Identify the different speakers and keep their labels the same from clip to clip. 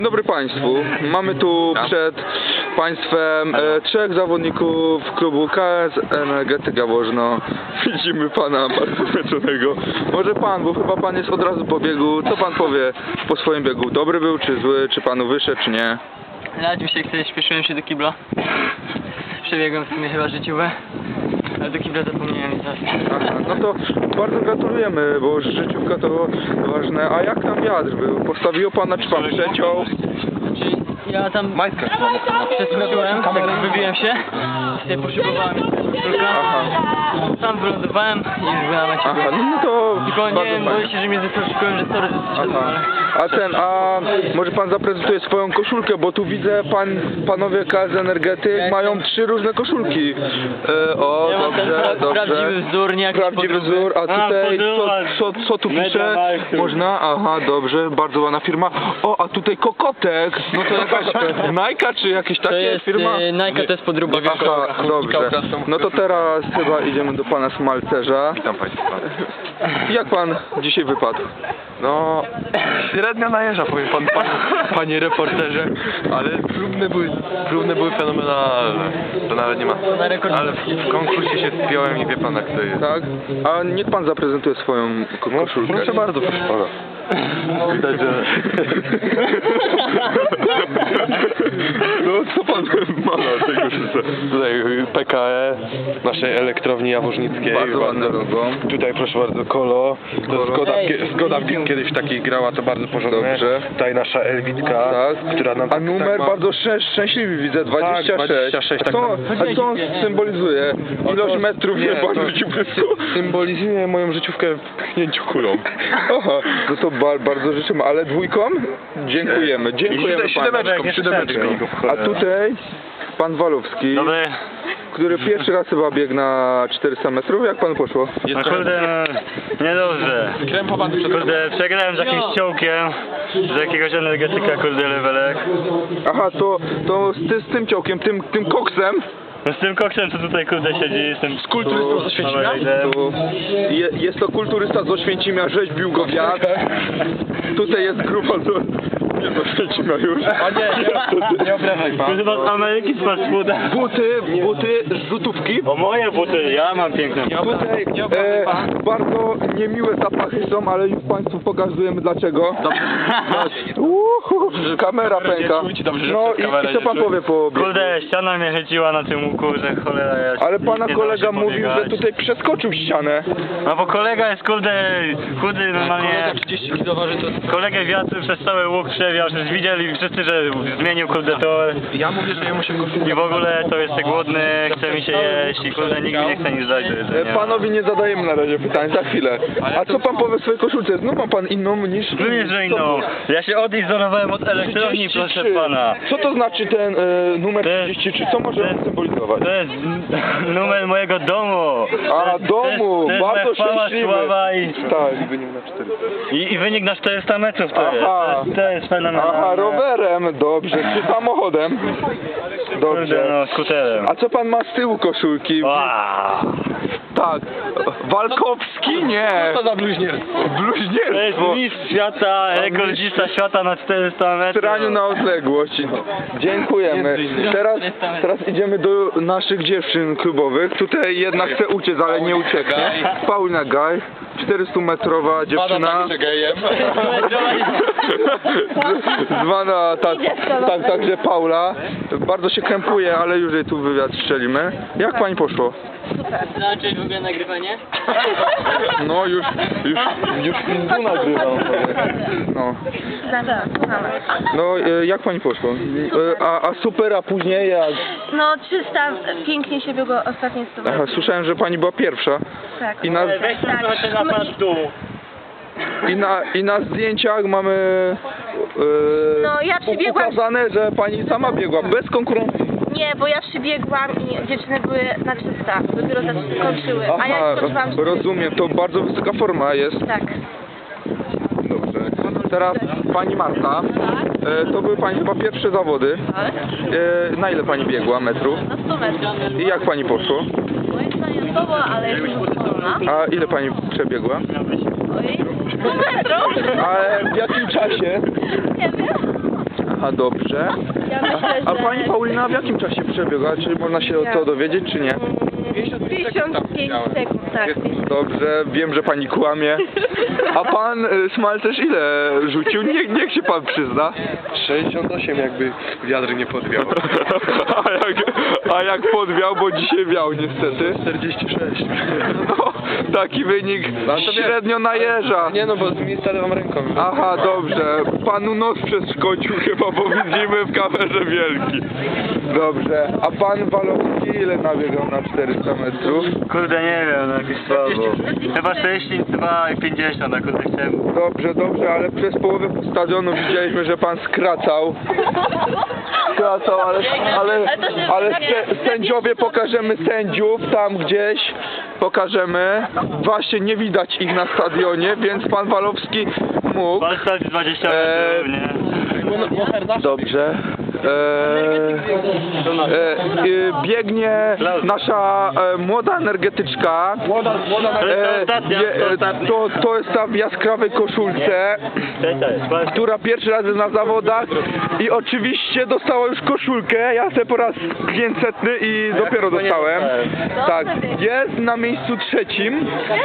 Speaker 1: Dzień dobry Państwu. Mamy tu przed Państwem trzech zawodników klubu KS Energetyka Wożno. Widzimy Pana bardzo zmęczonego. Może Pan, bo chyba Pan jest od razu po biegu. Co Pan powie po swoim biegu? Dobry był czy zły? Czy Panu wyszedł, czy nie?
Speaker 2: Ja dzisiaj śpieszyłem się do kibla. Przebiegłem w sumie chyba życiowe, ale do kibla zapomniałem i zaraz.
Speaker 1: Aha, no to bardzo gratulujemy, bo życiówka to ważne. A jak tam wiatr był? Postawiło Pana, czy Pan przeciął?
Speaker 2: Ja tam przeskoczyłem, tak wybiłem się i sobie poszybowałem koszulka. Tam wylądowałem i już byłem na mecie.
Speaker 1: Aha, no to
Speaker 2: Tylko nie
Speaker 1: bardzo
Speaker 2: wiem,
Speaker 1: fajnie.
Speaker 2: boję się, że mnie zaskoczyłem, że sorry, że zszedłem, ale...
Speaker 1: A może Pan zaprezentuje swoją koszulkę, bo tu widzę panowie KS Energetyk mają trzy różne koszulki. O,
Speaker 2: Ja mam ten
Speaker 1: dobrze.
Speaker 2: prawdziwy wzór, nie jakiś
Speaker 1: Prawdziwy
Speaker 2: podróbny.
Speaker 1: wzór, a tutaj co tu pisze? Można? Aha, dobrze, bardzo ładna firma. O, a tutaj Kokotek, no to jakaś Nike czy jakieś
Speaker 2: To
Speaker 1: takie
Speaker 2: jest
Speaker 1: firma?
Speaker 2: Nike, to jest podróbka.
Speaker 1: Aha, dobrze. No to teraz chyba idziemy do Pana Smalcerza.
Speaker 3: Witam Państwa.
Speaker 1: Jak Pan dzisiaj wypadł?
Speaker 3: No, średnio najeżdża, powiem Pan, Panie reporterze, ale próbne były fenomenalne. To nawet nie ma.
Speaker 2: Na rekord.
Speaker 3: Ale w konkursie się spiąłem i wie Pan jak to jest.
Speaker 1: Tak? A niech Pan zaprezentuje swoją koszulkę.
Speaker 3: Proszę bardzo, proszę Pana. Widać, że...
Speaker 1: No co Pan ma na tej koszulce?
Speaker 3: Tutaj PKE, naszej elektrowni jaworznickiej.
Speaker 1: Bardzo ładne logo.
Speaker 3: Tutaj proszę bardzo Kolo. To Zgoda kiedyś w takich grała, to bardzo porządne.
Speaker 1: Dobrze.
Speaker 3: Tutaj nasza Elwitka,
Speaker 1: Tak.
Speaker 3: która nam
Speaker 1: A numer
Speaker 3: ma...
Speaker 1: bardzo szczęśliwy widzę, 26.
Speaker 3: Tak, 26,
Speaker 1: A co on symbolizuje? Ilość metrów
Speaker 3: Nie,
Speaker 1: nie
Speaker 3: to
Speaker 1: bardzo ci blisku.
Speaker 3: symbolizuje moją życiówkę w pchnięciu kulą.
Speaker 1: Aha, no to bardzo życzymy, ale dwójką? Dziękujemy, dziękujemy Panu.
Speaker 3: Siódemeczką.
Speaker 1: A tutaj Pan Walowski,
Speaker 4: Dobry.
Speaker 1: który pierwszy raz chyba biegł na 400 metrów. Jak Panu poszło?
Speaker 4: No kurde, niedobrze. Kurde, przegrałem z jakimś ciołkiem, z jakiegoś energetyka, kurde, levelek.
Speaker 1: Aha, to z tym ciołkiem, tym koksem.
Speaker 4: No z tym koksem, co tutaj, kurde, siedzi, z tym... Z kulturystą z Oświęcimia?
Speaker 1: Jest to kulturysta z Oświęcimia, rzeźbił go wiatr. Tutaj jest grupa nie z Oświęcimia już.
Speaker 3: A nie obrażaj Pan.
Speaker 4: Chyba z Ameryki, z fast fooda.
Speaker 1: Buty z złotówki.
Speaker 4: O, moje buty, ja mam piękne.
Speaker 1: Tutaj bardzo niemiłe zapachy są, ale już Państwu pokazujemy dlaczego. Kamera pęka. No i co Pan powie po biegu?
Speaker 4: Kurde, ściana mnie chyciła na tym łuku, że cholera ja...
Speaker 1: Ale Pana
Speaker 4: nie dało
Speaker 1: kolega
Speaker 4: się
Speaker 1: mówił, że
Speaker 4: pobiegać.
Speaker 1: tutaj przeskoczył ścianę.
Speaker 4: No bo kolega jest, kurde, chudy normalnie... Kolegę wiatr przez cały łuk przewiał, przecież widzieli wszyscy, że zmienił, kurde, tor.
Speaker 3: Ja mówię, że jemu się
Speaker 4: I w ogóle to jest głodny, chce mi się jeść i kurde nikt mi nie chce nic dać do jedzenia.
Speaker 1: Panowi nie zadajemy na razie pytań, za chwilę. A co Pan powie w swojej koszulce? Znów ma Pan inną niż...
Speaker 4: Również, że inną. Ja się odizolowałem od elektrowni, proszę
Speaker 1: 33.
Speaker 4: pana.
Speaker 1: Co to znaczy ten numer
Speaker 4: To jest-
Speaker 1: 33? Co może on symbolizować?
Speaker 4: To jest numer mojego domu.
Speaker 1: A, domu,
Speaker 4: to jest
Speaker 1: bardzo
Speaker 4: moja chwała,
Speaker 1: szczęśliwy.
Speaker 4: sława i,
Speaker 1: Tak.
Speaker 4: i wynik na 400 metrów to jest.
Speaker 1: Aha.
Speaker 4: To jest fenomenalne.
Speaker 1: Aha, rowerem, dobrze. Czy samochodem?
Speaker 4: Kurde,
Speaker 1: Dobrze.
Speaker 4: no, skuterem.
Speaker 1: A co Pan ma z tyłu koszulki?
Speaker 4: Wow.
Speaker 1: Tak. Walkowski? Nie.
Speaker 3: Co za bluźnierstwo?
Speaker 4: To jest
Speaker 1: Bluźnierstwo.
Speaker 4: mistrz świata, rekordzista świata na 400
Speaker 1: W
Speaker 4: metrów.
Speaker 1: straniu na odległość. Dziękujemy. Teraz idziemy do naszych dziewczyn klubowych. Tutaj jedna chce uciec, ale nie ucieknie. Paulina Gaj, 400-metrowa dziewczyna. Zwana także Paula. Bardzo się krępuje, ale już jej tu wywiad strzelimy. Jak Pani poszło?
Speaker 2: Znaczy w ogóle nagrywanie?
Speaker 1: No już tu nagrywam. No. No jak Pani poszło? A super, a później jak?
Speaker 5: No 300 pięknie się biegło ostatnie 100
Speaker 1: Aha, słyszałem, że Pani była pierwsza.
Speaker 5: Tak.
Speaker 1: I na,
Speaker 4: Weź tam trochę ten aparat w dół.
Speaker 1: i na zdjęciach mamy
Speaker 5: No, ja przybiegłam-
Speaker 1: pokazane, że Pani sama biegła, bez konkurencji.
Speaker 5: Nie, bo ja przybiegłam i dziewczyny były na 300, dopiero skończyły, a ja
Speaker 1: Aha,
Speaker 5: skończyłam 400.
Speaker 1: rozumiem, to bardzo wysoka forma jest.
Speaker 5: Tak.
Speaker 1: Dobrze. Teraz Pani Marta, to były Pani chyba pierwsze zawody.
Speaker 5: Tak.
Speaker 1: Na ile Pani biegła metrów?
Speaker 5: Na 100 metrów.
Speaker 1: I jak Pani poszło?
Speaker 5: Moim zdaniem słowo, ale jestem zadowolona.
Speaker 1: A ile Pani przebiegła?
Speaker 5: Oj, 100 metrów?
Speaker 1: Ale w jakim czasie?
Speaker 5: Nie wiem.
Speaker 1: Aha, dobrze.
Speaker 5: Ja myślę,
Speaker 1: A
Speaker 5: że...
Speaker 1: pani Paulina w jakim czasie przebiega? Czy można się to dowiedzieć, czy nie?
Speaker 5: 55 sekund, tak.
Speaker 1: Dobrze, wiem, że pani kłamie. A pan Smal też ile rzucił? Niech się pan przyzna.
Speaker 3: 68 jakby wiatr nie podwiał.
Speaker 1: A jak podwiał, bo dzisiaj wiał niestety.
Speaker 3: 46.
Speaker 1: No, taki wynik średnio na jeża.
Speaker 3: Nie no, bo z miejsca lewą ręką.
Speaker 1: Aha, dobrze. Panu nos przeszkodził chyba, bo widzimy w kamerze wielki. Dobrze. A pan Walowski ile nabiegał na 400 metrów?
Speaker 4: Kurde, nie wiem, no jakieś słabo. Chyba 60, chyba 50, a kurde chciałem.
Speaker 1: Dobrze, ale przez połowę stadionu widzieliśmy, że pan skracał. Ale sędziowie, pokażemy sędziów tam gdzieś. Pokażemy. Właśnie nie widać ich na stadionie, więc pan Walowski mógł.
Speaker 4: Balstad 20 metrów, nie?
Speaker 1: Dobrze. Biegnie nasza młoda energetyczka. To jest ta w jaskrawej koszulce, która pierwszy raz jest na zawodach i oczywiście dostała już koszulkę. Ja sobie po raz 500 i dopiero dostałem. Tak, jest na miejscu trzecim.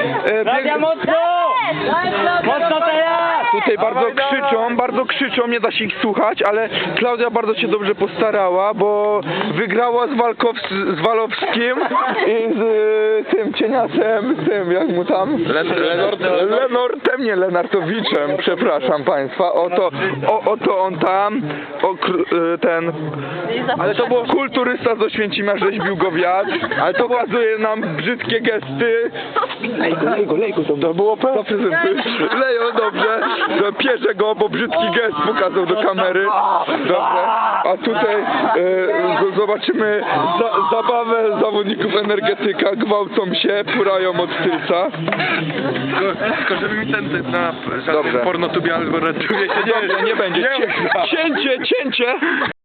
Speaker 2: Mocno teraz!
Speaker 1: Tutaj bardzo krzyczą, nie da się ich słuchać, ale Klaudia bardzo się dobrze postarała, bo wygrała z Walowskim i z tym cieniasem, z tym, jak mu tam? Lenortem, nie Lenartowiczem, przepraszam państwa, oto on tam, ten, ale to było kulturysta z Oświęcimia, rzeźbił go wiatr, ale to pokazuje nam brzydkie gesty. Lej go, to było Lejo, dobrze, pierze go, bo brzydki gest pokazał do kamery. Dobrze, a tutaj zobaczymy zabawę zawodników energetyka, gwałcą się, purają od tylca.
Speaker 3: Tylko żeby mi ten na
Speaker 1: Dobrze.
Speaker 3: pornotubie albo redtubie się
Speaker 1: Dobrze, nie będzie. Cięcie!